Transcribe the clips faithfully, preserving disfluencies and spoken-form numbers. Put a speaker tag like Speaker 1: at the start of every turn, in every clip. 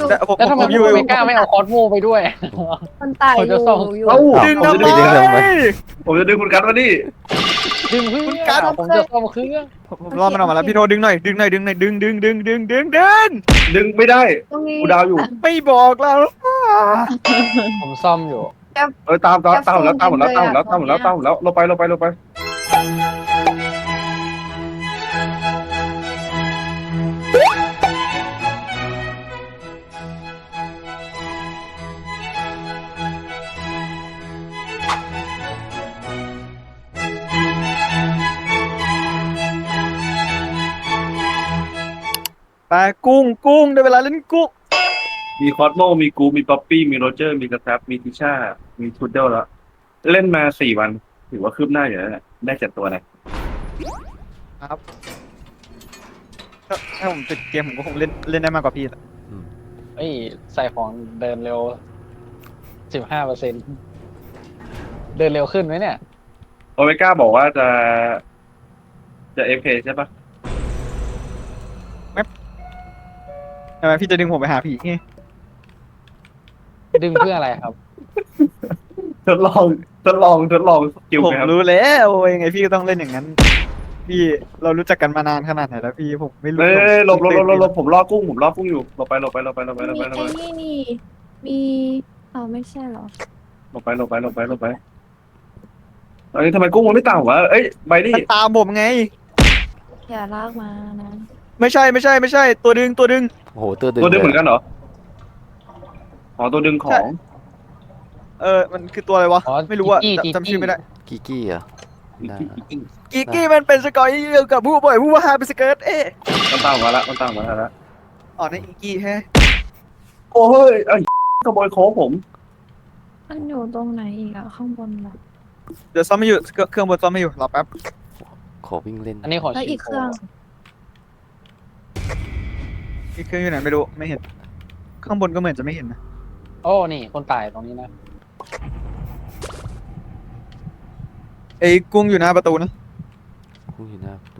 Speaker 1: แต่ผม
Speaker 2: แล้วทำไม
Speaker 1: ผมอยู่
Speaker 2: โอเมก้าไม่เอาคอสโมไปด้วย
Speaker 3: คนตายอ
Speaker 2: เขาจะ
Speaker 3: ยู่
Speaker 2: ส่ง
Speaker 3: อยู่
Speaker 4: เอ้า
Speaker 1: ดึง
Speaker 4: ผม
Speaker 1: ทำ
Speaker 4: จะ
Speaker 1: ไม
Speaker 4: ดึง
Speaker 5: ทำไม
Speaker 4: ผมจะดึงคุณกัดมาดิ
Speaker 2: ดึงเพื่
Speaker 1: คุณ
Speaker 2: อ
Speaker 1: กัด
Speaker 2: ผมจะซ่อมเครื่อง
Speaker 1: ผมผมรอมันออกมาแล้วพี่โทดึงหน่อยดึงหน่อยดึงหน่อยดึงดึงดึงดึงดึงดึง
Speaker 4: ดึงไม่ได้
Speaker 3: ตรงนี้
Speaker 4: กูดาวอยู่
Speaker 1: ไม่บอกเรา
Speaker 2: ผมซ่อมอยู่
Speaker 4: เออตามตามตามหมดแล้วตามหมดแล้วตามหมดแล้วตามหมดแล้วตามหมดแล้วเราไปเราไปเราไป
Speaker 1: ไปกุ้งกุ้งได้เวลาเล่นกุ้ง
Speaker 4: มีคอสโมมีกูมีป๊อปปี้มีโรเจอร์มีกระแทบมีทิชามีทูเดลแล้วเล่นมาสี่วันถือว่าคืบหน้าอยู่แล้วได้เจ็ดตัวนะ
Speaker 1: ครับถ้าถ้าผมติดเกมผมก็คงเล่นเล่นได้มากกว่าพี่แหละ
Speaker 2: เอ้ยใส่ของเดินเร็วสิบห้าเปอร์เซ็นต์เดินเร็วขึ้นไหมเนี่ย
Speaker 4: โอเมก้าบอกว่าจะจะเอฟเคใช่ปะ
Speaker 1: ทำไมพี่จะดึงผมไปหาผีไง
Speaker 2: ดึงเพื่ออะไรครับ
Speaker 4: ทดลองทดลองทดลองสกิล
Speaker 1: ผม
Speaker 4: ไหมครับ
Speaker 1: รู้แล้วยังไงพี่ก็ต้องเล่นอย่างนั้น พี่เรารู้จักกันมานานขนาดไหนแล้วพี่ผมไม่รู้
Speaker 4: เอ้ยหลบหลบหลบหลบหลบ
Speaker 1: ผม
Speaker 4: ผมรอกุ้งผมรอกุ้งอยู่หลบไปหลบไปหลบไปหลบไปหลบ
Speaker 3: มี
Speaker 4: ไปหลบ
Speaker 3: ไอ้
Speaker 4: ไป
Speaker 3: นี่นี่มีเอาไม่ใช่เหรอ
Speaker 4: หลบไปหลบไปหลบไปหลบไปเอ้ยทำไมกุ้งมันไม่ต่างวะเอ้ยใบนี่
Speaker 1: มันตามผมไง
Speaker 3: อย่าลากมานะ
Speaker 1: ไม่ใช่ไม่ใช่ไม่ใช่ ตัวดึงตัวดึง
Speaker 5: โอ้โหตัวดึง
Speaker 4: ตัวดึง
Speaker 5: ลย
Speaker 4: เหมือนกันเหรออ๋อตัวดึงของ
Speaker 1: เออมันคือตัวอะไรวะ
Speaker 2: อ๋อ
Speaker 1: ไม่รู้อะ
Speaker 2: จีจี้
Speaker 1: จำจำชื่อไม่ได้
Speaker 5: กิกกี้เหรอได้
Speaker 1: กิกกี้มันเป็นสกอยเดียวกับผู้บ่อยผู้ว่าหาเป็นสเกิร์ตเอ๊ะ
Speaker 4: มันต่างมาละมันต่างมาละ
Speaker 1: อ๋อนี่อีกกี้แฮะ
Speaker 4: โอ้ยไอ้ขโมยโค้กผม
Speaker 3: มันอยู่ตรงไหนอีกอะข้างบนเหรอ
Speaker 1: เดี๋ยวซ่อมไม่อยู่เครื่องเครื่องบนซ่อมไม่อยู่รอแป๊บ
Speaker 5: ขอวิ่งเล่น
Speaker 2: อันนี้ของ
Speaker 3: แล้วอีกเครื่อง
Speaker 1: อีกเครื่องอยู่ไหนไม่รู้ไม่เห็น ข้างบนก็เหมือนจะไม่เห็นนะ
Speaker 2: โอ้นี่คนตายตรงนี้นะ
Speaker 1: ไอ้กุ้งอยู่หน้าประตูนะ
Speaker 5: คู่อยู่หน้าประตู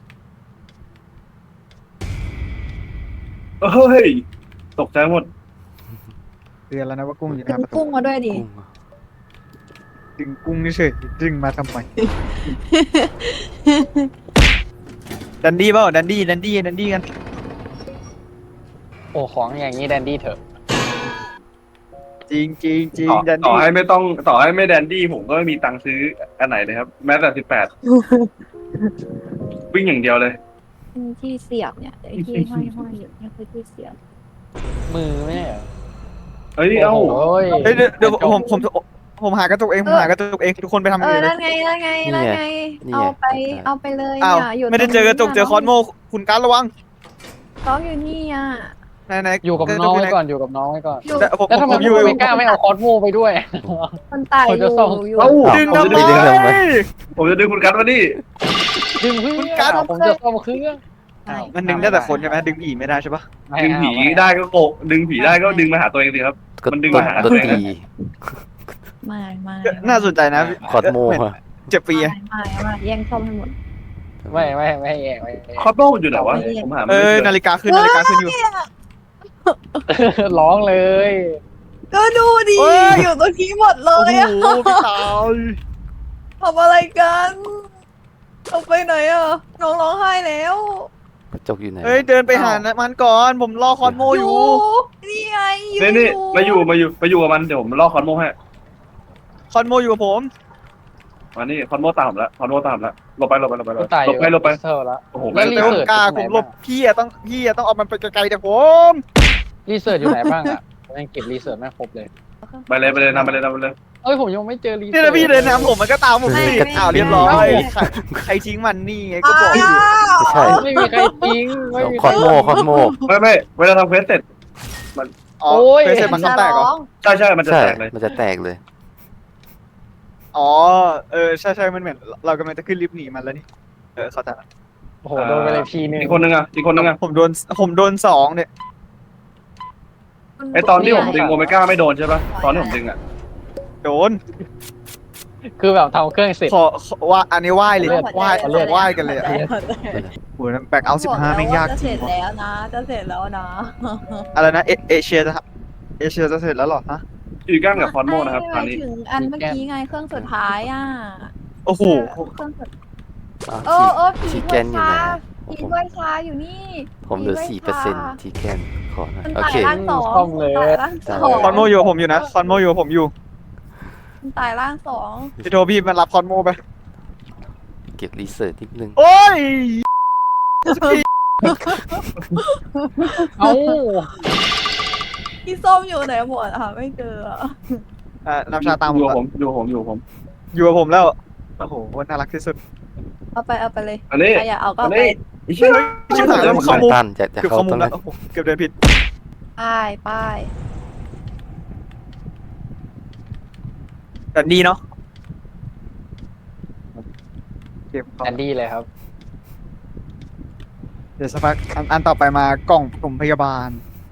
Speaker 4: เฮ้ยตกใจหมด
Speaker 1: เตือนแล้วนะว่ากุ้งอยู่ห
Speaker 3: ดึ
Speaker 1: น้าง ประตู
Speaker 3: กุ้งมาด้วยดิ
Speaker 5: กุ้งเหรอ
Speaker 1: ดึงกุ้งนี่เฉยดึงมาทำไม ดันดี้เปล่าดันดี้ดันดี้ดันดี้กัน
Speaker 2: โอ้ของอย่างนี้แดนดี้เถอะ
Speaker 1: จริงจริงจริง
Speaker 4: ต่อ
Speaker 1: ดัน
Speaker 4: ต่อ
Speaker 1: ดี้
Speaker 4: ให้ไม่ต้องต่อให้ไม่แดนดี้ผมก็ไม่มีตังค์ซื้ออันไหนเลยครับ แม้แต่สิบแปดวิ่งอย่างเดียวเลย
Speaker 3: ที่เสียบเนี่ยไอ้ที่ห้อยห้อยๆอยู่นี่คือที่เสียบ
Speaker 2: มือไม่ใช่เหรอ
Speaker 4: เฮ้ยเอ้า
Speaker 2: โอ้ย
Speaker 1: เฮ้ยเดี๋ยวเดี๋ยวผมผมผมหากระจกเองผมหากระจกเองทุกคนไปทำ
Speaker 3: เอ
Speaker 1: เอ
Speaker 3: อง
Speaker 1: เล
Speaker 3: นั่
Speaker 1: ย
Speaker 3: นไงนั่นไงนั่นไง เอาไปเอาไปเลย
Speaker 1: อ้าว
Speaker 3: เนี่ยอยู่
Speaker 1: ไม่ได้เจอกระจกเจอคอนโมคุณการระวัง
Speaker 3: น้องอยู่นี่อ่ะ
Speaker 1: ไหนไหน
Speaker 2: อยู่กับน้องไว้ก่อนอยู่กับน้องไว้ก่อน
Speaker 3: อยู่
Speaker 1: แต่ผม
Speaker 2: แล้วทำไม
Speaker 1: ผมอยู่
Speaker 2: โอเมก้าไม่เอาคอสโมไปด้วย
Speaker 3: คนตายอ
Speaker 2: เขาจะ
Speaker 3: ยู่
Speaker 2: ส่ง
Speaker 3: อยู่
Speaker 4: เอ้า
Speaker 1: ดึง
Speaker 4: ผม
Speaker 1: ทำ
Speaker 4: จะ
Speaker 1: ไม
Speaker 4: ดึง
Speaker 5: ทำไม
Speaker 4: ผมจะดึงคุณกัดมาดิ
Speaker 2: ดึงเพื่
Speaker 1: คุณ
Speaker 2: อ
Speaker 1: กัด
Speaker 2: ผมจะซ่อมเครื่อง
Speaker 3: ใช่
Speaker 1: มันดึงได้แต่คนใช่ไหมดึงผีไม่ได้ใช่ปะ
Speaker 2: ไม่
Speaker 4: ดึงผี
Speaker 2: เอาไม่เอา
Speaker 4: ได้ก็โกะดึงผีได้ก็ดึงมาหาตัวเองสิครับ
Speaker 5: ก็
Speaker 4: มันดึง
Speaker 5: ด
Speaker 4: มาหา
Speaker 5: ด
Speaker 4: ตั
Speaker 5: น
Speaker 4: วเอง
Speaker 5: ตรี
Speaker 3: ไม่ไม่
Speaker 1: น่าสนใจนะ
Speaker 5: คอร์ดโม
Speaker 1: เหมือน
Speaker 5: อะ
Speaker 1: เจ็บฟรี
Speaker 3: ไม่
Speaker 1: อะ
Speaker 3: ไม่ไม่แย่งซ่อมให้หมด
Speaker 2: ไม่ไม่ไม่แย่ไม่แย่
Speaker 4: คอสโมอยู่ไหนวะผมหา
Speaker 1: เอ
Speaker 4: ไม่
Speaker 1: อ
Speaker 4: เจอ
Speaker 1: นาฬิกาขึ้นนาฬิกาขึ้นอยู่
Speaker 2: ร้องเลย
Speaker 3: ก็ดูดิ
Speaker 1: เอ้ย
Speaker 3: อยู่ตรงนี้หมดเล
Speaker 1: โอ้
Speaker 3: ย
Speaker 1: โห
Speaker 3: อะ
Speaker 1: พี่ตาย
Speaker 3: ทำอะไรกันเอาไปไหนอ่ะน้องร้องไห้แล้ว
Speaker 5: กระจกอยู่ไหน
Speaker 1: เฮ้ยเดินไปหามันก่อนผมรอคอนโมอยู่
Speaker 3: นี่ไงอยู่
Speaker 4: นี่นี่มาอยู่มาอยู่มาอยู่กับมันเดี๋ยวผมล่อคอสโมให้
Speaker 1: คอนโมอยู่กับผม
Speaker 4: มานี่คอสโมตามผมแล้วคอสโมตามแล้วหลบไปหลบไปหลบไปหล
Speaker 2: กู
Speaker 4: บ
Speaker 2: ตาย
Speaker 4: ไปหลบไปหลบไป
Speaker 2: เซอร์แล้ว
Speaker 4: โอ้โห
Speaker 2: แล้
Speaker 4: ไม่
Speaker 2: วรี
Speaker 1: แต่
Speaker 4: ได้
Speaker 1: ผมกล้าผมหลบพี่อะต้องพี่อะต้องเอามันไปไกลๆจากผม
Speaker 2: รีเสิร์ชอยู่ไหนบ้างอ่ะผมยังเก็บรีเสิร์ชไม่ครบเลย
Speaker 4: ไปเลยไปเลยนำไปเลยนำไปเลย
Speaker 2: เอ้ยผมยังไม่เจอรี
Speaker 1: นี่ถ้าพี่เดินนำผมมันก็ตามผมสิอ้าวเรียบร้อยใครใครทิ้งมันนี่ไงก็บอกอยู่
Speaker 5: ไม่ใช่
Speaker 2: ไม่มีใครจริงไม่มี
Speaker 5: คอร์ดโมคอร์ดโม
Speaker 4: ไม่ไม่เวลาทำเควสเสร็จ
Speaker 1: อ๋อเฟซเสร็จมันต้องแตกเหรอ
Speaker 4: ใช่ใช่มันจะ
Speaker 5: ใช่
Speaker 4: แตกเลย
Speaker 5: มันจะแตกเลย
Speaker 1: อ๋อเออใช่ใช่มันเหมือนเรากำลังจะขึ้นลิฟต์หนีมันแล้วนี่เออเขาแต่
Speaker 2: โอ้โหโดนไปเลยทีนึง
Speaker 4: อีกคนนึงอ่ะอีกคนนึงอ่ะ
Speaker 1: ผมโดนผมโดนสองเนี่ย
Speaker 4: ไอตอนที่ผมดึงโอเมก้าไม่โดนใช่ปะตอนที่ผมดึงอ่ะ
Speaker 1: โดน
Speaker 2: คือแบบทำเครื่องเสร็จ
Speaker 1: ขอขอว่าอันนี้ไหว้เลย
Speaker 2: เลือด
Speaker 1: ไหว้ไหว้กันเลยอะ
Speaker 2: เลือด
Speaker 1: โอ้ยแบกเอาสิบห้าแม่งยาก
Speaker 3: จะ
Speaker 1: จ
Speaker 3: เส
Speaker 1: ริ
Speaker 3: ร็
Speaker 1: ง
Speaker 3: จ
Speaker 1: ว่ะ
Speaker 3: แล้วนะ จะเสร็จแล้วนะ
Speaker 1: อะไรนะเอเอเชียจะทำเอเชียจะเสร็จแล้วเหรอฮะ
Speaker 4: อีก้างกับคอสโมนะครับ
Speaker 3: ไม่
Speaker 4: ตอน
Speaker 3: หมาย
Speaker 4: นี้
Speaker 3: ถึงอันเมื่อกี้ไงเครื่องสุดท้ายอ่ะ
Speaker 1: โอ้โห
Speaker 3: เครื่องสุด
Speaker 5: อ้าว
Speaker 3: โอ้โอ้ผี
Speaker 5: ที
Speaker 3: ถ้
Speaker 5: แก
Speaker 3: วย
Speaker 5: นอยู่
Speaker 3: ชา
Speaker 5: ไหนอะ
Speaker 3: ผี
Speaker 5: ผม
Speaker 3: ถ้วยชาอยู่นี่
Speaker 5: ผมเหลือ
Speaker 3: ผี
Speaker 5: สี่
Speaker 3: ถ้
Speaker 5: เปอ
Speaker 3: วย
Speaker 5: ร์เซ็นต์
Speaker 3: ชา
Speaker 5: ทีแคนขอนะ
Speaker 3: มัน
Speaker 5: โอ
Speaker 3: ตาย
Speaker 5: เค
Speaker 3: ร่างสอง
Speaker 2: ซ่อมเลย
Speaker 3: ตายร่างสอง
Speaker 1: คอนโมอยู่กับผมอยู่นะคอนโมอยู่กับผมอยู่
Speaker 3: มันตายร่างสอง
Speaker 1: พี่โทพี่มันรับคอนโมไป
Speaker 5: เก็บรีเสิร์ชนิดนึง
Speaker 1: โอ้ย
Speaker 2: เอ้า
Speaker 3: พี่ส้มอยู่ไหนหมดอะไม่เจออะ
Speaker 1: อ่าน้ำชาตามผ
Speaker 4: อ
Speaker 1: ม
Speaker 4: ยู่กับ
Speaker 1: ละ
Speaker 4: ผมอยู่กับผมอยู่กับผม
Speaker 1: อยู่กับผมแล้วโอ้โหน่ารักที่สุด
Speaker 3: เอาไปเอาไปเลย
Speaker 4: อันนี้
Speaker 3: ใครอยากเอาก็
Speaker 4: อัน
Speaker 3: เอาไป
Speaker 4: นี้ไอ้เชี่ย
Speaker 1: ชิบหายแล้วมันเข้า
Speaker 5: ตัน
Speaker 1: มุม
Speaker 5: ตันจะจะ
Speaker 1: เกือบ
Speaker 5: เข้า
Speaker 1: เข้ามุ
Speaker 5: ตร
Speaker 1: ม
Speaker 5: ง
Speaker 1: แล้
Speaker 5: นั้
Speaker 1: วน โอ้โหเกือบเดินผิด
Speaker 3: ป้ายป้าย
Speaker 1: แต่ดีเนาะเก็บของ
Speaker 2: แอนดี้เลยครับ
Speaker 1: เดี๋ยวสักพักอันอันต่อไปมากล่องปฐมพยาบาล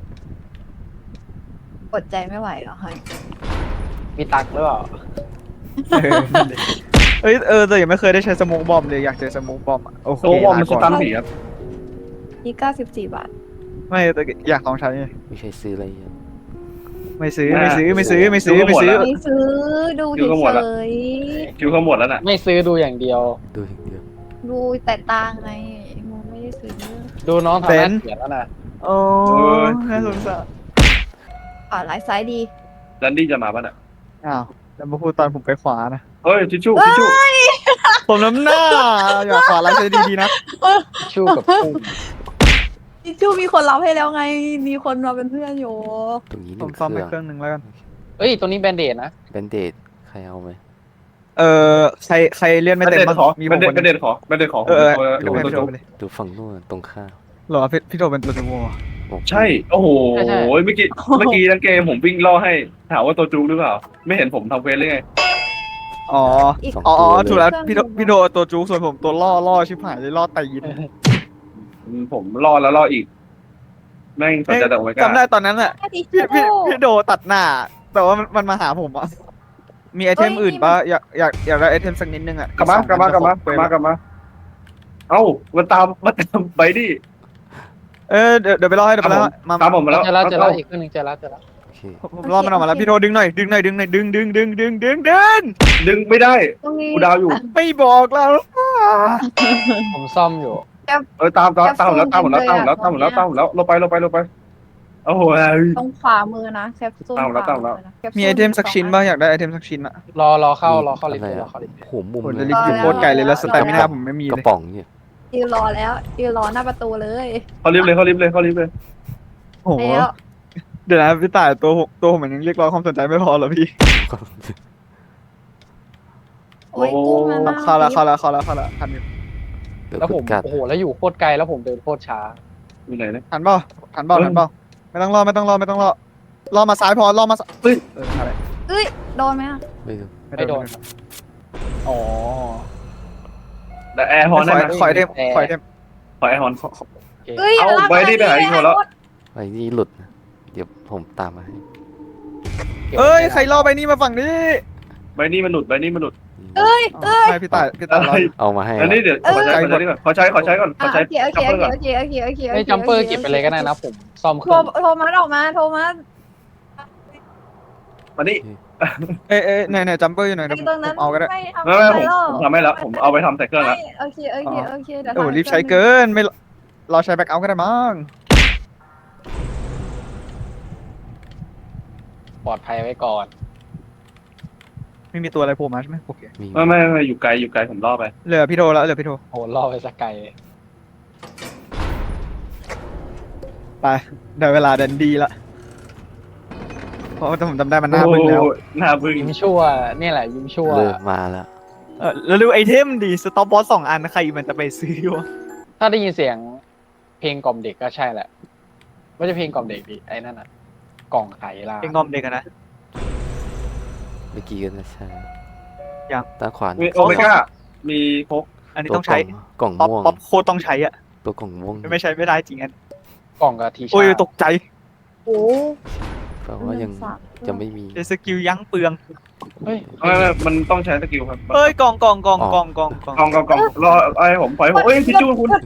Speaker 3: อดใจไม่ไหวแล้วค่ะ
Speaker 2: มีตักหรือเปล่า
Speaker 1: เออนั่นดิเอ้ยเออแต่ยังไม่เคยได้ใช้สโมกบอมเลยอยากเจอสโมกบอมอ่ะโอเค
Speaker 4: โอ้บอมมัน
Speaker 1: ลา
Speaker 4: ส
Speaker 1: ก่อน
Speaker 4: ตันผีครับ
Speaker 3: นี่เก้าสิบสี่บาท
Speaker 1: ไม่แต่อยากลองใช้ไง
Speaker 5: ไม่ใช่ซื้ออะไรเยอะ
Speaker 1: ไม่ซื้อไม่ซื้อไม่ซื้อไม่ซื้อไม่ซื้อ
Speaker 3: ไม่ซื้อดูเฉย
Speaker 4: คิวเขาหมดแล้วน่ะ
Speaker 2: ไม่ซื้อดูอย่างเดียว
Speaker 5: ดูอย่างเดียว
Speaker 3: ๆดูแต่ตางไงมึงไม่ได้ซื้อ
Speaker 2: ดูน้องทำหน้าเสียแล้วนะ
Speaker 1: โอ้น่าสงสาร
Speaker 3: อ่าไลฟ์ไซด์ดี
Speaker 4: ดันดี้จะมาป่ะเนี่ย
Speaker 1: อ้าวแล้วมาพูดตอนผมไปขวานะ
Speaker 4: เฮ้ยทิชชู่ทิชชู่
Speaker 1: ผมน้ำหน้าอยากขวาไลฟ์ใช้ดีๆนะ
Speaker 2: ชู่กับพุ่ง
Speaker 3: ทิชชู่มีคนรับให้แล้วไง มีคนมาเป็นเพื่อนอยู่
Speaker 5: ตรงนี้ห
Speaker 1: ผ
Speaker 5: นึ่
Speaker 1: ม
Speaker 5: ง
Speaker 1: ซ่อม
Speaker 5: เค
Speaker 1: ไป
Speaker 5: รื่อง
Speaker 1: เครื่องหนึ่งแล้วกัน
Speaker 2: เอ้ย ตัวนี้แบนเดดนะ
Speaker 5: แบนเดดใครเอาไหม
Speaker 1: เออใครใครเลื่อนไม่
Speaker 4: ไม่
Speaker 1: เต็ม
Speaker 4: เด็ด
Speaker 1: บ้าง
Speaker 4: ขอ
Speaker 1: มี
Speaker 4: ไม่
Speaker 1: ผม
Speaker 4: เด็ด
Speaker 1: คนห
Speaker 4: ไม่
Speaker 1: นึ
Speaker 4: เด็
Speaker 1: ง
Speaker 4: ดขอไม่เด็ดขอ
Speaker 1: เออเออ
Speaker 4: ตัว
Speaker 1: ให้
Speaker 4: ตัว
Speaker 1: พี่โท
Speaker 4: ตัว
Speaker 1: ไปเลย
Speaker 5: ดูฝั่งนู้นตรงข้าม
Speaker 1: เหรอพี่พี่โทเป็นตัวจูโม่
Speaker 5: โอ้โห
Speaker 4: ใช่ โอ้โหเมื่อกี้เมื่อกี้ทั้งเกมผมวิ่งล่อให้ถามว่าตัวจูหรือเปล่า ไม่เห็นผมทำเควสเลยไง
Speaker 1: อ๋อ
Speaker 3: อีก
Speaker 5: สอง
Speaker 1: อ๋อ
Speaker 5: ตัว
Speaker 1: อ๋อ
Speaker 5: เล
Speaker 1: ถูก
Speaker 5: ย
Speaker 1: แล้วพี่โทพี่โทตัวจูส่วนผมตัวล่อล่อชิบหายเลยล่อตีน
Speaker 4: ผมล่อแล้วล่ออีก แม่งสนใจแต่โอเมก้า
Speaker 1: จำได้ตอนนั้นอะ
Speaker 3: ทิช
Speaker 1: พี่พี่
Speaker 3: ชู่
Speaker 1: พี่โดตัดหน้า แต่ว่ามันมันมาหาผมอะมีไอเทม
Speaker 3: เอ้ย
Speaker 1: อื่น
Speaker 3: นี่
Speaker 1: ปะ
Speaker 3: มัน
Speaker 1: อยากอยากอยากได้ไอเทมสักนิดนึงอะ
Speaker 4: กลับมากลับมากลับมากลับมากลับมา เอ้ามันตามมันตามไปดิ
Speaker 1: เออเดี๋ยวเดี๋ยวไปรอให้เดี๋ยวไปรอให้มา
Speaker 4: ตามผมมาแล้ว
Speaker 2: เจอแล้วเจอแล้วอีกเครื่องหนึงเจอแล้วเจอแล้ว
Speaker 5: โอเค
Speaker 1: ผมผมรอมันออกมาแล้วพี่โทดึงหน่อยดึงหน่อยดึงหน่อยดึงดึงดึงดึงดึงดึง
Speaker 4: ดึงไม่ได้
Speaker 3: ตรงนี้
Speaker 4: กูดาวอยู่
Speaker 1: ไม่บอกแล้ว
Speaker 2: ผมซ่อมอยู่
Speaker 4: เออตามตามตามผมแล้วตามผมแล้วตามผมแล้วตามผมแล้วตามผมแล้วลงไปลงไปลงไปโอ้โห
Speaker 3: ตรงขวามือนะแคปซูล
Speaker 4: ตามแล้ว
Speaker 3: ขว
Speaker 4: ตามแล้ว
Speaker 3: อนะแคปซูล
Speaker 1: มีไอเทมสักชิ้นป่ะอยากได้ไอเทมสักชิ้นอะ
Speaker 2: รอรอเข้ารอเข้าลิฟ
Speaker 5: อะไร
Speaker 2: ต์รอ
Speaker 5: อะ
Speaker 2: เข้าลิฟต์
Speaker 5: โอ้โหมุม
Speaker 1: โห
Speaker 5: เล
Speaker 1: จะ
Speaker 5: ย
Speaker 1: รีบอยู่โคตรไกลเลยแล้วสแตมิน่าผมไม่มี
Speaker 5: ก
Speaker 1: เล
Speaker 5: ระ
Speaker 1: ย
Speaker 5: ป๋องเนี่ย
Speaker 3: ยืนรอแล้วยืนรอหน้าประตูเลย
Speaker 4: เขารีบเลยเขารีบเลยเขารีบเลย
Speaker 1: โอ้โห
Speaker 3: แล้ว
Speaker 1: เดี๋ยวนะพี่ต่ายตัวผมตัวผมมันยังเรียกร้องความสนใจไม่พอเหรอพี่
Speaker 3: โอ้ยกุ้งมันน่
Speaker 1: เข้าแล้วเข้าแล้วเข้าแล้วเข้าแล้วทันอยู่
Speaker 5: เดี๋ยว
Speaker 2: แล้ว
Speaker 5: คุ
Speaker 2: ผ
Speaker 5: ณ
Speaker 2: ม
Speaker 5: กัด
Speaker 2: โอ้โหแล้วอยู่โคตรไกลแล้วผมเดินโคตรช้า
Speaker 4: อยู่ไหนเนี่ย
Speaker 1: ทันเปล่าทันเปล่า
Speaker 4: เฮ้ย
Speaker 1: ทันเปล่าไม่ต้องรอไม่ต้องรอไม่ต้องรอรอมาซ้ายพอรอมาซ้ายเอ้ยเอออะไร
Speaker 3: เอ้ยโดนไหมอะ
Speaker 5: ไม่รู้
Speaker 2: ไม่โดนครับ
Speaker 1: อ๋อ
Speaker 4: แต่แอร์ฮอน
Speaker 1: ข
Speaker 4: ได้
Speaker 1: อ
Speaker 4: ไหม
Speaker 1: ขอไอเทมขอไอเทม
Speaker 4: ขอแอร์ฮอน
Speaker 1: ขอขอ
Speaker 2: โอเค
Speaker 3: เอ้ย
Speaker 4: เอา
Speaker 3: รับ
Speaker 4: ไว้นี่ไปหาอีกคนละ
Speaker 5: ไอ้นี่หลุดนะเดี๋ยวผมตามมาให้
Speaker 1: เอ้ยใครล่อไปนี่มาฝั่งนี้
Speaker 4: ใบนี้มันหลุดใบนี้มันหลุด
Speaker 3: เอ้ย
Speaker 1: อ๋อไม่พี่ต่ายพี่ต่ายรอ
Speaker 5: เอามาให้
Speaker 4: อันนี้เดี๋ยวขอใช้ขอใช้ก่อนขอใช้ขอใช้ก่อนขอ
Speaker 3: อ่ะ
Speaker 4: ใช้
Speaker 3: โอเคโอเค
Speaker 4: จับ
Speaker 3: โอ
Speaker 4: เพื่อน
Speaker 3: เค
Speaker 4: ก่อน
Speaker 3: โอเคโอเคโอเค
Speaker 2: ไอ้จัมเปอร์เก็บไปเลยก็ได้นะผมซ่อมเค
Speaker 3: โทร
Speaker 2: รื่อง
Speaker 3: โทรมัสออกมาโทรมัส
Speaker 4: มานี่
Speaker 1: เอ้ยเอ้ยไหนไหนจัมเปอร์อยู่ไหน
Speaker 3: ไอ้
Speaker 1: เดี๋ยว
Speaker 3: ตรงนั้น
Speaker 1: ผมเอาก็ได้
Speaker 3: ไม่ทำ
Speaker 4: ไม่ไม่ผม
Speaker 3: หรอก
Speaker 4: ผมทำให้แล้วผมเอาไปทำใส่เครื่องแล้ว
Speaker 3: ไม่โอเคโอเคโอเคเดี๋ยว
Speaker 1: โอ้
Speaker 3: ทำ
Speaker 1: รีบใช้เกินไม่รอใช้แบ็คเอาท์ก็ได้มั้ง
Speaker 2: ปลอดภัยไว้ก่อน
Speaker 1: ไม่มีตัวอะไรโผล่มาใช่ไหมโอเค
Speaker 5: มี
Speaker 4: ไม่ไม่ไม่อยู่ไกลอยู่ไกลผมล่อไป
Speaker 1: เหลือพี่โทแล้วเหลือพี่โท
Speaker 2: โอ้ล่อไปสักไกล
Speaker 1: ไปได้เวลาเดินดีละเพราะว่าผมจำได้มันหน้าบึ้งแล้ว
Speaker 4: โอ้หน้าบึ้ง
Speaker 2: ยิ้มชั่วนี่แหละยิ้มชั่ว
Speaker 5: เริ่มมาแล้ว
Speaker 1: เออแล้วดูไอเทมดีสต็อปบอสสองอันใครมันจะไปซื้อวะ
Speaker 2: ถ้าได้ยินเสียงเพลงกล่อมเด็กก็ใช่แหละไม่ใช่เพลงกล่อมเด็กดิไอ้นั่นน่ะกล่องไข่ล่า
Speaker 1: ไอ้งอมเด็กอะนะ
Speaker 5: เมื่อกี้ก็น่าใช่
Speaker 1: ยัง
Speaker 5: ตาขวาน
Speaker 4: มีโอเมก้ามีโคก
Speaker 1: อันนี้
Speaker 5: ตัว
Speaker 1: ต้องใช้
Speaker 5: กล่อง
Speaker 1: ป๊อป
Speaker 5: ม่วง
Speaker 1: ป๊อปโคตรต้องใช้อะ
Speaker 5: ตัวกล่องม่วง
Speaker 1: ไม่ใช้ไม่ได้จริงอัน
Speaker 2: กล่องกับทีชา
Speaker 1: โอ้ยตกใจ
Speaker 3: โอ้
Speaker 5: แปลว่ายัง
Speaker 3: สาม
Speaker 5: จะไม่มี
Speaker 1: ใช้สกิลยั้งเปลือง
Speaker 2: เฮ้ย
Speaker 4: ไม่ไม่มันต้องใช้สกิลครับ
Speaker 1: เอ้ยกองกองกองกองกองกอง
Speaker 4: กองกองกองรอไอ้ผมปล่อยผมเอ้ยทิชชู่คุณ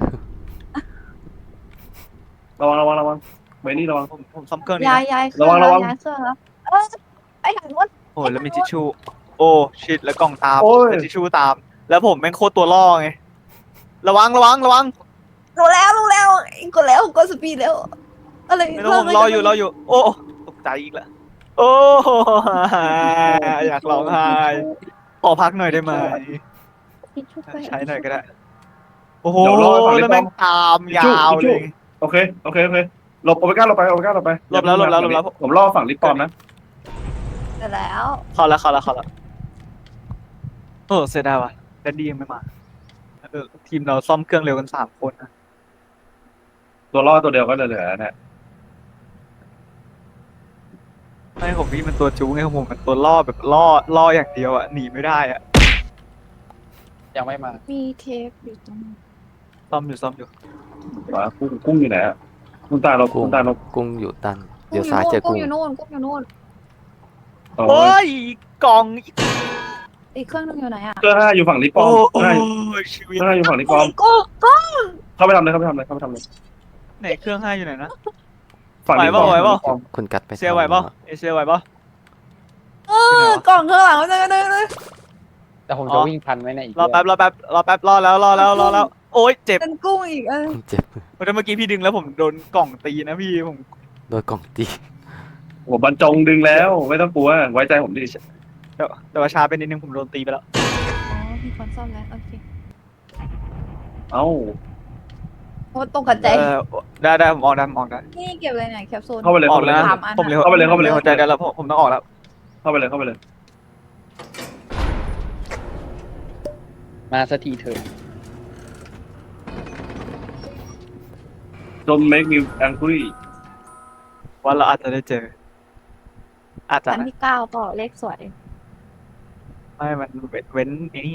Speaker 4: ระวังระวังระวังไว้นี่ระวัง
Speaker 1: ผมผมซ้ำเครื่องนี้
Speaker 3: ย้าย
Speaker 1: นะ
Speaker 3: ย้ายเค
Speaker 4: ระ
Speaker 3: รื่
Speaker 4: วั
Speaker 3: อง
Speaker 4: ง
Speaker 3: แล้
Speaker 4: ระ
Speaker 3: ว
Speaker 4: วัง
Speaker 3: ย้ายเครื่องแล้วเออไอ้ถังนู้น
Speaker 1: โอ้ยแล้วมีทิชชู่โอ้ชิดแล้วกล่องตาม
Speaker 4: โอ้ย
Speaker 1: แล้วทิชชู่ตาม แล้วผมแม่งโคตรตัวล่อไงระวังระวังระวัง
Speaker 3: รู้แล้วรู้แล้วกดแล้วกดสปีดแล้วอะไร
Speaker 1: ไม่ต้องผมรออยู่รออยู่ โอ้ตกใจอีกแล้วโอ้อยากร้องไห้ขอพักหน่อยได้ไหม
Speaker 3: ทิชชู่ไป
Speaker 1: ใช้หน่อยก็ได้ โอ้โห
Speaker 4: เดี๋ยวรอฝั่งนี้
Speaker 1: แล้วแม่งตามยาวเลย
Speaker 4: โอเคโอเคโอเคหลบโอเมก้าหลบไปโอเมก้าหลบไป
Speaker 1: หลบแล้วหลบแล้วหลบแล้ว
Speaker 4: ผมล่อฝั่งลิปปอมนะ
Speaker 3: เสร็จแล้ว
Speaker 1: เข้าแล้วเข้าแล้วเข้าแล้วเออเสียดายว่ะแดนดี้ยังไม่มาเออทีมเราซ่อมเครื่องเร็วกันสามคนนะ
Speaker 4: ตัวล่อตัวเดียวก็เหลือๆเนี่ย
Speaker 1: ไม่ผมพี่มันตัวจูงไงผมมันตัวล่อแบบล่อล่ออย่างเดียวอ่ะหนีไม่ได้อ่ะ
Speaker 2: ยังไม่มา
Speaker 3: มีเทปอยู่ตรงนั้น
Speaker 1: ซ่อมอยู่ซ่อมอยู่
Speaker 4: ว่ากุ้งกุ้งอยู่ไหนอะกุ้งตาเรา
Speaker 5: กุ้ง
Speaker 4: กุ้งตาเรา
Speaker 5: กุ้งอยู่ตันเดี๋ยวซ้ายเจอ
Speaker 3: กุ้
Speaker 5: กุ้
Speaker 3: ง
Speaker 5: ง
Speaker 3: อยู่นู่นกุ้งอยู่นู่น
Speaker 4: โอ้
Speaker 1: โอ้
Speaker 4: ย
Speaker 1: ยกล่อง
Speaker 3: อีกเครื่องนึงอยู่ไหนอ่ะ
Speaker 4: เสื้อห้าอยู่ฝั่งลิปปอ
Speaker 1: โอ้
Speaker 4: มเสื้อห้า
Speaker 1: ยชีวิต
Speaker 4: เสื้อห้าอยู่ฝั่งลิปปอม
Speaker 3: กุ้งกุ้ง
Speaker 4: เข้าไปทำเลยเข้าไปทำเลยเข้าไปทำเลย
Speaker 1: ไหนเครื่องห้าอยู่ไหนนะ
Speaker 4: ฝั่งลิปปอม
Speaker 1: ไหวเปล่าไหวเปล่า
Speaker 5: คุณกัดไป
Speaker 1: เชียร์ไหวป่ะเอเชียร์ไหวป่ะ
Speaker 3: เออกล่องข้างหลังมันเลยเลยเลย
Speaker 2: แต่ผม
Speaker 1: อ๋
Speaker 2: จะ
Speaker 1: อ
Speaker 2: วิ่งทันไหมเนี่ยอีก
Speaker 1: รอแป๊บรอแป๊บรอแป๊บรอแล้วรอแล้วรอแล้วโอ้ยเจ็บ
Speaker 3: เป็นกุ้งอีกเออ
Speaker 5: เจ็บ
Speaker 1: แต่เมื่อกี้พี่ดึงแล้วผมโดนกล่องตีนะพี่ผม
Speaker 5: โดนกล่องตี
Speaker 4: โอ้บรรจงดึงแล้วไม่ต้องกลัวไว้ใจผมดิ
Speaker 1: แต่แต่ว่าช้าไปนิดนึงผมโดนตีไปแล้ว
Speaker 3: อ๋อมีคนซ่อมแล้วโอเค
Speaker 4: เอ้า
Speaker 3: โอ้ตรงกับใจ
Speaker 1: เออได้ได้ผมออกได้ผมออกได้
Speaker 3: นี่เก็บอะไรเนี่ยแคปซูล
Speaker 4: เข้าไปเลย
Speaker 1: ออ
Speaker 4: เข้าก ไปเลย
Speaker 1: แล้ว
Speaker 3: สามอัน
Speaker 1: ผมเลย
Speaker 4: เข้าไปเลยเข้าไปเลย
Speaker 1: หัวใจได้แล้วผมผมต้องออกแล้ว
Speaker 4: เข้าไปเลยเข้าไปเลย
Speaker 2: มาสักทีเถอะ
Speaker 4: Don't make me angry
Speaker 1: ว่าเราอาจจะได้เจอ อาจจะ
Speaker 3: อัน
Speaker 1: นะ
Speaker 3: ที่เก้าต่อเลขสวย
Speaker 1: ไม่มันเว้นเว้นไอ้นี่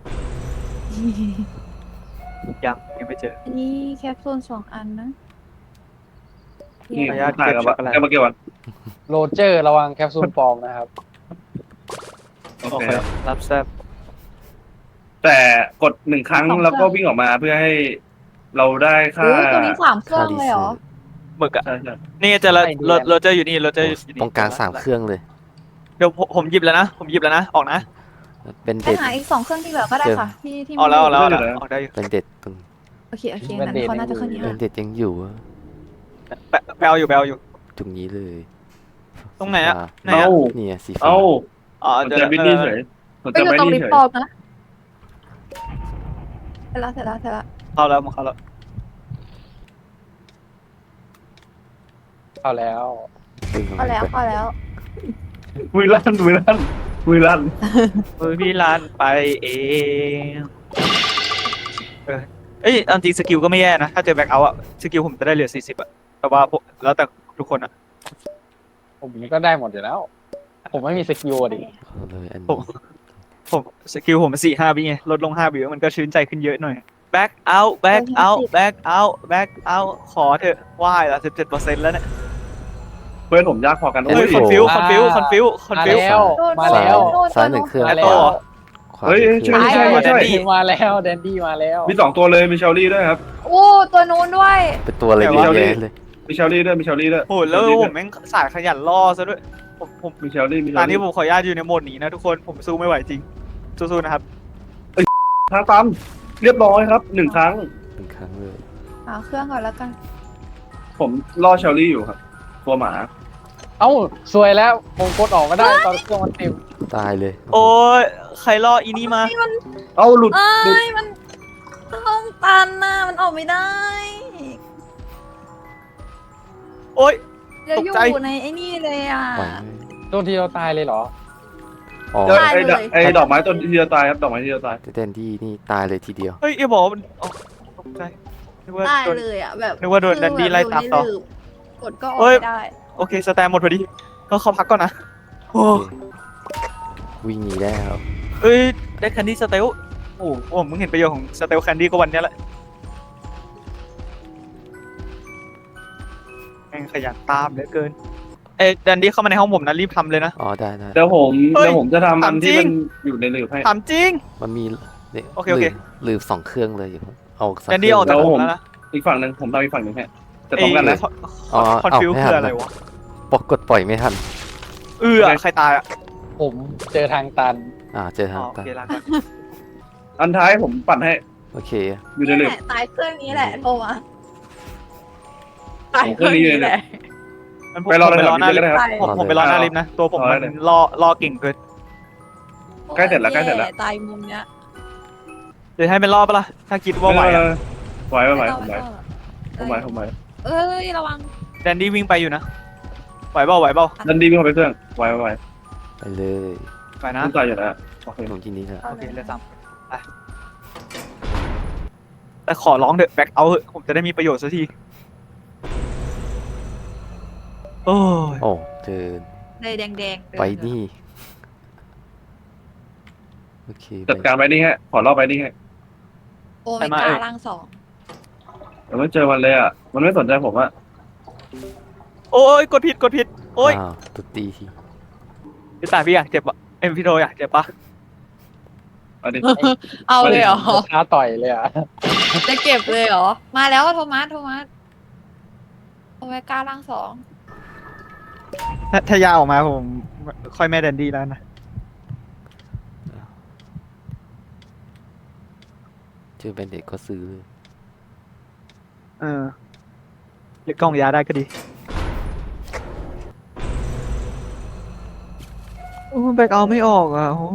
Speaker 1: ยังยังไม่เจอ
Speaker 3: อันนี้แคปซูลสองอันนะ
Speaker 4: นี่
Speaker 1: ขออนุญาต
Speaker 4: ถ่ายกับว่า
Speaker 1: เก็บช็อกโกแลต
Speaker 4: แกมาเกี่ยวกัน
Speaker 2: โรเจอร์ระวังแคปซูลปลอมนะครับ
Speaker 4: โอ
Speaker 1: โอ
Speaker 4: เค
Speaker 1: เครับแซ่บ
Speaker 4: แต่กดหนึ่งครั้งแล้วก็วิ่งออกมาเพื่อให้เราได้ค่า
Speaker 3: โอ้ตัวนี้สามเครื่องเลยเหรอ
Speaker 1: หมึกอะ
Speaker 4: ใช่ใช่
Speaker 1: นี่เจอแล้ว
Speaker 2: ไม่ดี
Speaker 1: เรา
Speaker 2: แล้ว
Speaker 1: เราเจออยู่นี่เราเจออยู่นี่
Speaker 5: ตรงกลางสามเครื่องเลย
Speaker 1: เดี๋ยวผมผมหยิบแล้วนะผมหยิบแล้วนะออกนะ
Speaker 5: เป็น
Speaker 3: ไป
Speaker 5: เด็ด
Speaker 3: หาอีกสองเครื่องที่เหลือก็ได้ค่ะ ที่ที่
Speaker 1: ออกแล้วออกแล้วออก
Speaker 3: ไม่
Speaker 1: แล้วออกได้อยู่
Speaker 5: เป็นเด็ดตรง
Speaker 3: โอเคโอเคงั้นเขาน่าจะเครื่องนี้
Speaker 5: เป็น
Speaker 3: ค่ะ
Speaker 5: เด็ดยังอยู่อะ
Speaker 1: แปะแปลอยู่แปลอยู่
Speaker 5: ตรงนี้เลย
Speaker 1: ตรงไหนอะ
Speaker 5: สีฟ้า
Speaker 1: ไหนอะ
Speaker 4: เอ้า
Speaker 5: นี่อะสีฟ้า
Speaker 4: เอ้า
Speaker 1: อ๋อ
Speaker 4: สน
Speaker 1: เจ
Speaker 4: ใจ
Speaker 1: อ
Speaker 4: บินนี่เฉยสน
Speaker 3: ไป
Speaker 4: ใจ
Speaker 3: อยู่
Speaker 4: บิน
Speaker 3: ตรง
Speaker 4: นี่
Speaker 3: ริม
Speaker 4: เฉ
Speaker 3: ปอย มนะเสร็จแล้วเสร็จแล้วเสร็จแล้ว
Speaker 1: เข้าแล้วมาเข้าแล้ว
Speaker 2: เข้าแล้ว
Speaker 5: ดึงออก
Speaker 3: ก็
Speaker 5: มา
Speaker 3: แล้ว
Speaker 5: ไป
Speaker 3: ก็แล้ว
Speaker 4: มือลั่นมือลั่นมือลั่น
Speaker 1: มือพี่ลานไปเองเออเอ้ยเอาจริงสกิลก็ไม่แย่นะ ถ้าเจอแบ็คเอาท์อะสกิลผมจะได้เหลือสี่สิบอะแต่ว่าพวกแล้วแต่ทุกคนอะ
Speaker 2: ผมก็ได้หมดอยู่แล้ว ผมไม่มีสกิลอะดิ
Speaker 5: เอาเลยอัน
Speaker 1: ผม
Speaker 5: นี้
Speaker 1: ผมสกิลผมสี่ห้าวิไงลดลงห้าวิมันก็ชื้นใจขึ้นเยอะหน่อย back out back out back out back out ขอเถอะว่ายละสิบเจ็ดเปอร์เซ็นต์แล้วเนี่ย
Speaker 4: เพื่อนผมยากพอกัน
Speaker 1: เฮ้ยคอนฟิวคอนฟิวคอนฟิวคอน
Speaker 2: มา
Speaker 1: ฟิว
Speaker 2: แล้ว มา
Speaker 5: ซ้าย
Speaker 2: แล้ว
Speaker 5: ซ้ายหนึ่งเครื่อง
Speaker 2: มา
Speaker 1: โต้
Speaker 2: แล้ว
Speaker 1: เหรอ
Speaker 5: ขวา
Speaker 4: เฮ้ย
Speaker 5: หนึ่งเครื่
Speaker 4: ใช่
Speaker 5: อง
Speaker 4: ใช่ใช่
Speaker 1: แดน
Speaker 4: ใช่
Speaker 1: ดี้
Speaker 2: มาแล้วแดนดี้มาแล้ว
Speaker 4: มีสองตัวเลยมีเชลลี่ด้วยครับ
Speaker 3: โอ้ตัวนู้นด้วย
Speaker 5: เป็นตัวอะไรเยอะแยะเลย
Speaker 4: มีเชลลี่ด้วยมีเชลลี่ด้วย
Speaker 1: โหแล้วผมแม่งสายขยันล่อซะด้วยผมผม
Speaker 4: มีเชลลี่มีเช
Speaker 1: ตอ
Speaker 4: ล
Speaker 1: นนี้
Speaker 4: ลี่
Speaker 1: ผมขออนุญาตอยู่ในโหมดหนีนะทุกคนผมสู้ไม่ไหวจริงสู้ๆนะครับ
Speaker 4: ทางตันเรียบร้อยครับหนึ่งครั้ง
Speaker 5: เป็นครั้งเลย
Speaker 3: หาเครื่องก่อนแล้วกัน
Speaker 4: ผมล่อเชลลี่อยู่ครับ ตัวหมา
Speaker 2: เอ้าสวยแล้วผมกดออกไม่ได้ตอนเครื่องมันเต็ม
Speaker 5: ตายเลย
Speaker 1: โอ้ยใครล่ออีนี่มา
Speaker 4: เอาหลุด
Speaker 3: เอ้
Speaker 4: หลุด
Speaker 3: ยมันต้องตันน่ะมันออกไม่ได้
Speaker 1: โอ้ย
Speaker 3: เดี๋ยวอ
Speaker 1: ตกใจ
Speaker 3: ยู่ในไอ้นี่เลยอ่ะ
Speaker 5: ไหวไหม
Speaker 2: โดนทีเราตายเลยเหรอ
Speaker 5: อ๋อ
Speaker 4: เดี๋ยว
Speaker 3: ตาย
Speaker 4: ไอ้ดอก
Speaker 3: เลย
Speaker 4: ไอ้ดอกไม้ต้นที่จะตายครับดอกไม้ที่จะตาย
Speaker 5: แต่แดนดี้นี่ตายเลยทีเดียว
Speaker 1: เฮ้ยอย่าบอกว่ามันอ๋อตกใจนึกว่า
Speaker 3: ได้
Speaker 1: โดน
Speaker 3: เลยอ่ะแบบ
Speaker 1: นึกว่าโดน
Speaker 3: คือ
Speaker 1: แดนดี้ไล่ตามต่อ
Speaker 3: แบบยู่ในหลืบกดก็ออก
Speaker 1: เฮ้ย
Speaker 3: ไม่ได้
Speaker 1: โอเคสแตมหมดพอดีก็เขาพักก่อนนะโอ้
Speaker 5: โอเควิ่งหนีแล้ว
Speaker 1: เอ้ยได้แคนดี้สเตลโอ้โหผมเพิ่งเห็นประโยชน์ของสเตลแคนดี้ก็วันเนี้ยแหละแม่งขยันตามเหลือเกินเอ้ยดันดี้เข้ามาในห้องผมนะรีบทำเลยนะ
Speaker 5: อ๋อได้ได้
Speaker 4: เดี๋ยวผม
Speaker 1: เฮ้ย
Speaker 4: เดี๋ยวผมจะทำอันที่
Speaker 1: ถามจริง
Speaker 4: มันอยู่ในหลืบให้
Speaker 1: ถามจริง
Speaker 5: มันมีเนี่ย
Speaker 1: โอเคโอเค
Speaker 5: ลืมลืมสองเครื่องเลยอยู่เอาสัก
Speaker 1: ดันดี้
Speaker 5: เค
Speaker 1: อ
Speaker 5: รื่
Speaker 1: อก
Speaker 5: ง
Speaker 1: จาก
Speaker 4: แล้ว
Speaker 1: ผม
Speaker 4: ผม
Speaker 1: แล้วนะ
Speaker 4: อีกฝั่งหนึ่งผมทำอีกฝั่งหนึ่งให้จะตรงกันนะ
Speaker 1: เอ้ยคอนฟิว
Speaker 5: เอ้า
Speaker 1: คือ
Speaker 5: ไม่ทัน
Speaker 1: อะไรวะ
Speaker 5: ปกกดปล่อยไม่ทัน
Speaker 1: เออ
Speaker 4: โอเค
Speaker 1: ใครตายอ่ะ
Speaker 2: ผมเจอทางตัน
Speaker 5: อ่าเจอ
Speaker 1: อ๋
Speaker 5: ทา
Speaker 1: อง โอ
Speaker 5: ตัน
Speaker 1: เคลากัน
Speaker 4: อันท้ายผมปั่นให้
Speaker 5: โอเค
Speaker 4: อยู่ในหลืบ
Speaker 3: แหละตายเครื่องนี้แหละโทรมาตายเครื่องนี้แหละ
Speaker 1: งั้นผม
Speaker 4: ไปรอ
Speaker 1: ผม
Speaker 4: ใน
Speaker 1: ไป
Speaker 4: ห
Speaker 1: ร
Speaker 4: ลั
Speaker 1: อง หน้าลิฟ
Speaker 4: ก็
Speaker 1: ต์
Speaker 4: ได้ครับ
Speaker 1: ผมผมไปรอหน้าลิฟต์นะ ตัวผม
Speaker 4: รอ
Speaker 1: มัน
Speaker 4: ได้เลย
Speaker 1: รอรอเก่งเกิน
Speaker 4: ใกล้เสร็จแล้วใกล้เสร็จแล้ว
Speaker 3: ตายมุมเนี้ย
Speaker 1: เดี๋ยวให้เป็นรอบปะล่ะ ถ้าคิดว่าไหวอะ
Speaker 4: ไหวไหวไหว
Speaker 3: ไม่
Speaker 4: ไหว
Speaker 3: ต้อง
Speaker 4: ไหว
Speaker 3: ไม่
Speaker 4: ไหว
Speaker 3: ต้อง
Speaker 4: ไหว
Speaker 3: เอ้ยระวัง
Speaker 1: แดนดี้วิ่งไปอยู่นะ ไหวเปล่าไหวเปล่า
Speaker 4: ดันดีมีคนไปเครื่องไหวไหวไหว
Speaker 5: ไปเลย
Speaker 1: ไหวนะ
Speaker 4: คุณตายอยู่แล้วโอเค
Speaker 5: ตรงที่นี้แหละ
Speaker 1: โอเคเหลยซ้ำไปแต่ขอร้องเถอะแบ็คเอาท์เถอะผมจะได้มีประโยชน์สักที โอ้ย
Speaker 5: โอ้เจอ
Speaker 3: เลยแดงแดงๆ
Speaker 5: ไปนี่โอเค
Speaker 4: จัดการไปนี่ฮะขอรอบไปนี่ฮะ
Speaker 3: โอเมก้าล่างสอง
Speaker 4: แต่ไม่เจอมันเลยอ่ะมันไม่สนใจผมอ่ะ
Speaker 1: โอ้ยกดผิดกดผิด โอ้ย
Speaker 5: อ้าวตุตีที
Speaker 1: พี่ตายพี่อยากเจ็บปะเอ็มพี่โทอยากเจ็บปะ
Speaker 4: เอาดิ
Speaker 3: เอาเลยเหรอ
Speaker 2: ท้าต่อยเลยอ่ะ
Speaker 3: จะเก็บเลยเหรอ มาแล้วโทมัสโทมัสโอเมก้าล่างสอง
Speaker 1: ถ้าถ้ายาออกมาผมค่อยแม่แดนดี้แล้วนะ
Speaker 5: เจอแบนเด็กก็ซื้อเลย
Speaker 1: เออเรียกกล้องยาได้ก็ดีโอ้แบ็คเอาท์ไม่ออกอ่ะโอ้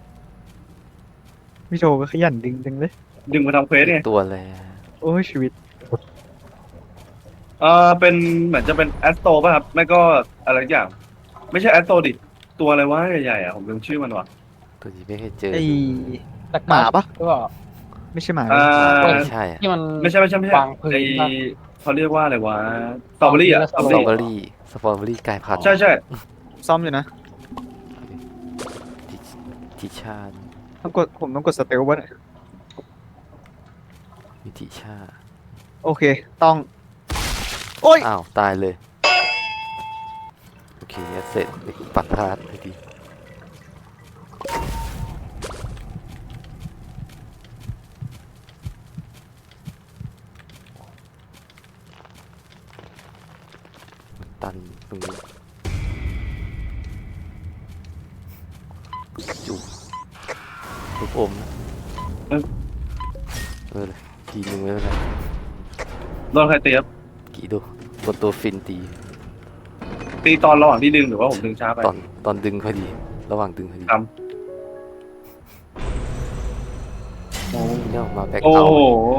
Speaker 1: พี่โจก็ขยันดึงจังเลย
Speaker 4: ดึงมาทำเควสไง
Speaker 5: ตัวแล้ว
Speaker 1: โอ้ยชีวิต
Speaker 4: เออเป็นเหมือนจะเป็นแอสโตป่ะครับไม่ก็อะไรสักอย่าง ไม่ใช่แอสโตดิตัวอะไรวะใหญ่ๆอ่ะผมลืมชื่อมันว่ะ
Speaker 5: ตัวที่ไม่เคยเจอ
Speaker 1: ไอ
Speaker 2: จาก
Speaker 1: หมาปะ
Speaker 2: หรือเปล่า
Speaker 1: ไม่ใช่หมา
Speaker 4: อ่า
Speaker 5: ไม่ใช่อะ
Speaker 2: ที่มัน
Speaker 4: ไม่ใช่ไม่ใช่ไม่ใช่
Speaker 2: วางพื้น
Speaker 4: ไอ
Speaker 2: ปะ
Speaker 4: เขาเรียกว่าอะไรวะสตรอเบอรี่อ่ะสตรอ
Speaker 5: ส
Speaker 4: เบอ
Speaker 5: ตรอ
Speaker 4: รี่
Speaker 5: เบอรี่สตรอเบอรี่กลายพันธุ์
Speaker 4: ใช่ใช่
Speaker 1: ซ่อมอยู่นะ
Speaker 5: ทิทิชาติ
Speaker 1: ต้องกดผมต้องกดสเตลวะเนี่ย
Speaker 5: มิติชาติ
Speaker 1: โอเค ต้อง โอ้ย
Speaker 5: อ้าวตายเลยโอเคเสร็จปัดพลาดพอดีตันตรงนี้จุ๊บลูกอมนะเออเลยทีนึงไม่เป็นไร
Speaker 4: โดนใครตีครับ
Speaker 5: กี่ดูบนตัวฟินตี
Speaker 4: ตีตอนระหว่างที่ดึงหรือว่าผมดึงช้าไป
Speaker 5: ตอนตอนดึงพอดี ระหว่างดึงพอดี
Speaker 4: ครับ
Speaker 5: เนี่ยมาแบ็ค
Speaker 4: โอ้
Speaker 5: เอา
Speaker 4: โห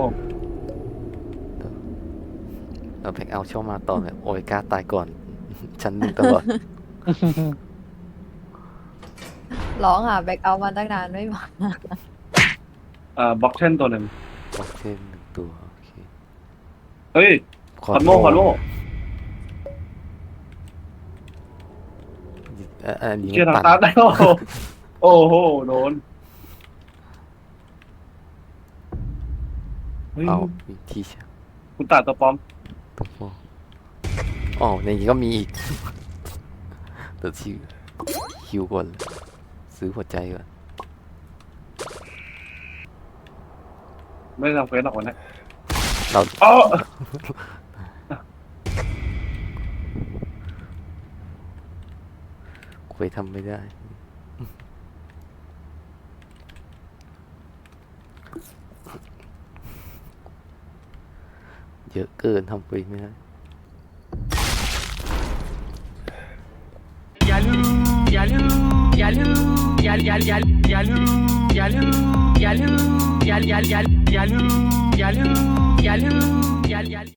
Speaker 5: เราแบ็คเอาช่องมาตอนแบบโอยกล้าตายก่อน ชั้นหนึ่งตลอด
Speaker 3: ร้องอ่ะแบ็คเอามาตั้งนานไม่มา
Speaker 4: อ่าบล็อกเช่นตัวหนึ่ง
Speaker 5: บล็อกเทนหนึ่งตัวโอเค
Speaker 4: เฮ้ยคอนโมคอนโม
Speaker 5: อ่ะอันนี้
Speaker 4: เชื่อ
Speaker 5: มัน
Speaker 4: ทาง
Speaker 5: ตั
Speaker 4: ตาน ได้โอ้โหโอ้โหโดนเฮ้ย
Speaker 5: เอามีที่ชา
Speaker 4: คุณตัดตัวปลอม
Speaker 5: ต้องมองอ๋อในนี้ก็มีอีก ตัวชิวคิวก่อนเลยซื้อหัวใจก่อน
Speaker 4: ไม่ได้ทำเควสหรอกวันนี้
Speaker 5: เรา
Speaker 4: อ๋อ
Speaker 5: คุยทำไม่ได้ เยอะเกินทำคุยไม่ได้
Speaker 6: อย่าลืมอย่าลืมอย่าลืมอย่าอย่าอย่าอย่าลืมอย่าลืมอย่าลืมอย่าอย่าอย่าอย่าลืมอย่าลืมอย่าลืมอย่าอย่า